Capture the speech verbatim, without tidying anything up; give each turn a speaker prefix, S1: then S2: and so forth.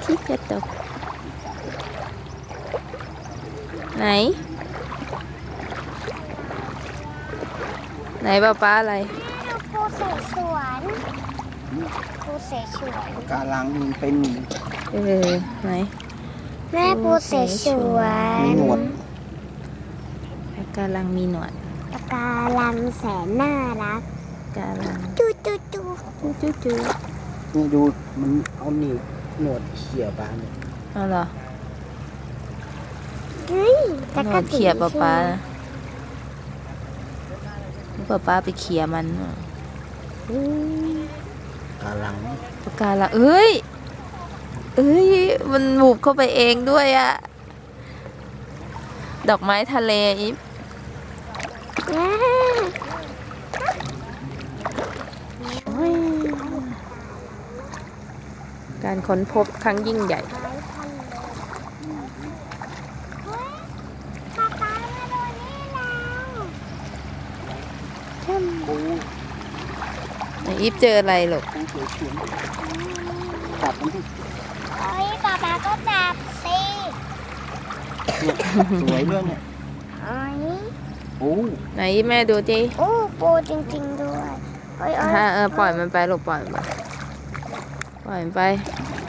S1: ชิจะตกไหนไหนป้าป้าอะไร
S2: ปูเสฉวนปูเสฉวน
S3: ปะการังมันเป็น
S1: เออไหน
S2: แม่ปูเสฉวน
S3: มีหนวด
S1: ปะการังมีหนวด
S2: ปะการังแสนน่ารัก
S1: ปะการัง
S2: จูจูจู
S1: จู้จู้จู้
S3: นี่ดูมันเอาหนีบหนวดเขี่ยปลาเนี่ย
S1: เอาเหรอ
S2: เฮ้ย
S1: ห
S2: จัก
S1: น
S2: ร
S1: วด
S2: จี
S1: เขี่ยป้าป้าป้าป้าไปเขี่ยมัน
S2: อืม
S3: ปะการัง
S1: ปะการังเอ้ยเอ้ยมันบุบเข้าไปเองด้วยอะดอกไม้ทะเลอีฟ
S2: อ่า
S1: โอ้ยการค้นพบครั้งยิ่งใหญ่
S2: เฮ้ยป๊าป๊ามาดูนี่แล้ว
S3: ปู
S1: ไหนอีฟเจออะไรหรอก
S3: ปูเขียวเขียวจับมันที่
S2: เฮ้ยป๊าป๊าก็จับสิ
S3: สวยด้วยเนี่ย
S2: เฮ้ย
S3: ปู
S1: ไหนอีฟแม่ดูจิ
S2: โอ้ปูจริงๆด้วยเฮ้ยเอ้ย
S1: ฮะเออปล่อยมันไปลูกปล่อยมันไปปล่อยมันไป
S2: เ